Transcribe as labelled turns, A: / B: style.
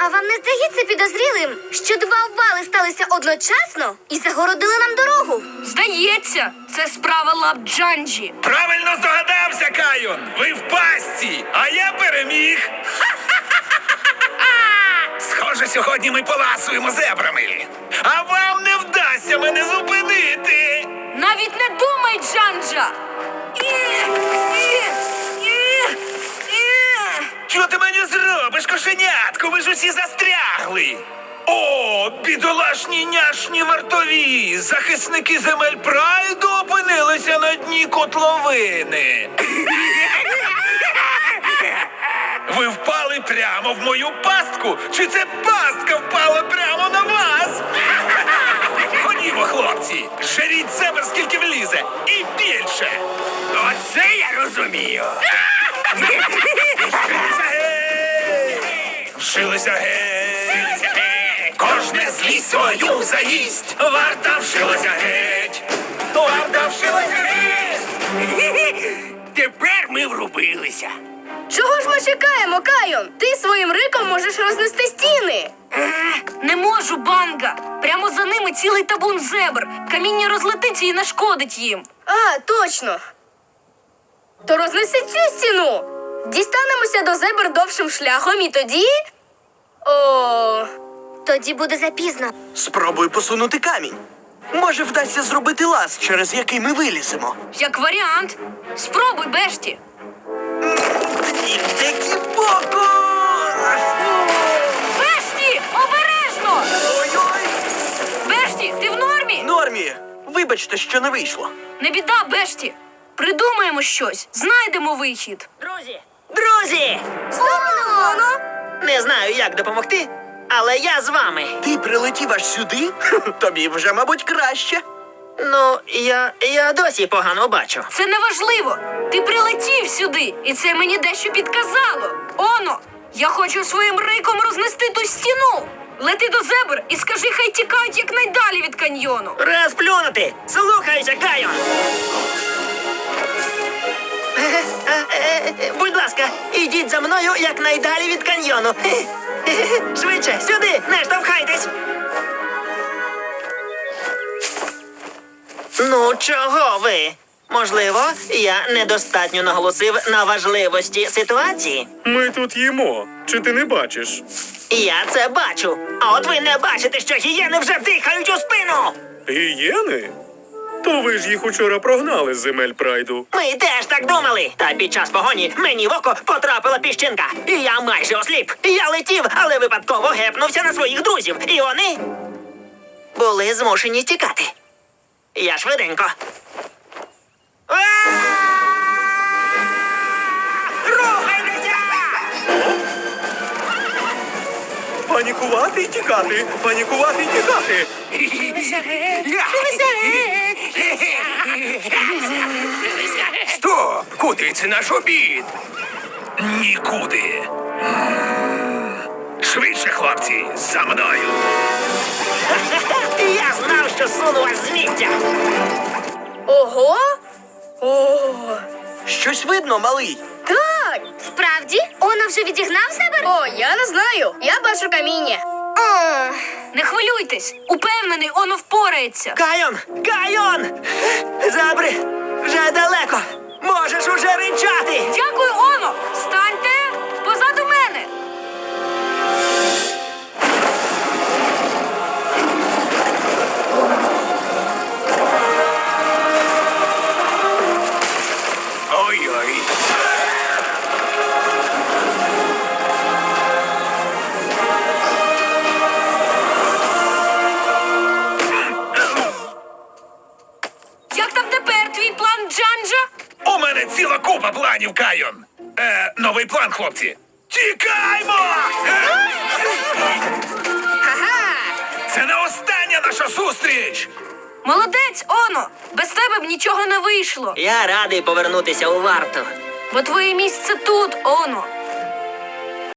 A: А вам не здається підозрілим, що два обвали сталися одночасно і загородили нам дорогу?
B: Здається, це справа лап Джанджі.
C: Правильно здогадався, Кайон! Ви в пастці, а я переміг! Схоже, сьогодні ми поласуємо зебрами. А вам не вдасться мене зупинити!
B: Навіть не думай, Джанджа!
C: Що ти мені зробиш, кошенятко? Ви ж усі застрягли! О, бідолашні няшні вартові! Захисники земель Прайду опинилися на дні котловини! Ви впали прямо в мою пастку? Чи це пастка впала прямо на вас? Ходімо, хлопці, жеріть зебр, скільки влізе, і більше! Оце я розумію! Вшилися геть! Кожне злість свою заїсть! Варта вшилася геть! Варта вшилася геть! Тепер ми врубилися!
A: Чого ж ми чекаємо, Кайон? Ти своїм риком можеш рознести стіни.
B: Не можу, Банга! Прямо за ними цілий табун зебр. Каміння розлетиться і нашкодить їм.
A: А, точно. То рознеси цю стіну. Дістанемося до зебр довшим шляхом і тоді... О, тоді буде запізно.
D: Спробуй посунути камінь. Може, вдасться зробити лаз, через який ми виліземо.
B: Як варіант. Спробуй, Бешті.
D: Які боку!
B: Бешті, обережно!
D: Ой-ой!
B: Бешті, ти в нормі?
D: Нормі, вибачте, що не вийшло.
B: Не біда, Бешті. Придумаємо щось, знайдемо вихід.
E: Друзі!
A: Воно!
E: Не знаю, як допомогти, але я з вами.
D: Ти прилетів аж сюди? Тобі вже, мабуть, краще.
E: Ну, я досі погано бачу.
B: Це не важливо. Ти прилетів сюди, і це мені дещо підказало. Оно, я хочу своїм риком рознести ту стіну. Лети до зебр і скажи, хай тікають якнайдалі від каньйону.
E: Розплюнути! Слухайся, Кайон! Будь ласка, ідіть за мною якнайдалі від каньйону. Швидше, сюди, не штовхайтесь! Ну, чого ви? Можливо, я недостатньо наголосив на важливості ситуації.
F: Ми тут їмо. Чи ти не бачиш?
E: Я це бачу. А от ви не бачите, що гієни вже дихають у спину.
F: Гієни? То ви ж їх учора прогнали з земель Прайду.
E: Ми теж так думали. Та під час погоні мені в око потрапила піщинка. І я майже осліп. Я летів, але випадково гепнувся на своїх друзів. І вони були змушені тікати. Я швиденько. Рухайтеся!
F: Панікувати і тікати! Панікувати і тікати!
C: Стоп! Куди це наш обід? Нікуди. Швидше, хлопці, за мною.
E: Я знав, що суну вас з місця.
A: Ого! О,
D: Щось видно, малий.
A: так! Справді? Оно вже відігнав зебр? О, я не знаю. Я бачу каміння. О,
B: Не хвилюйтесь, упевнений, оно впорається.
E: Кайон! Кайон! Забри! Вже далеко! Можеш уже ричати!
B: Дякую, оно! Станьте позаду мене!
C: Ой-ой.
B: Як там тепер твій план, Джанджа?
C: У мене ціла купа планів, Кайон. Новий план, хлопці. Тікаймо! Це не остання наша зустріч!
B: Молодець, оно! Без тебе б нічого не вийшло.
E: Я радий повернутися у варту.
B: Бо твоє місце тут, оно.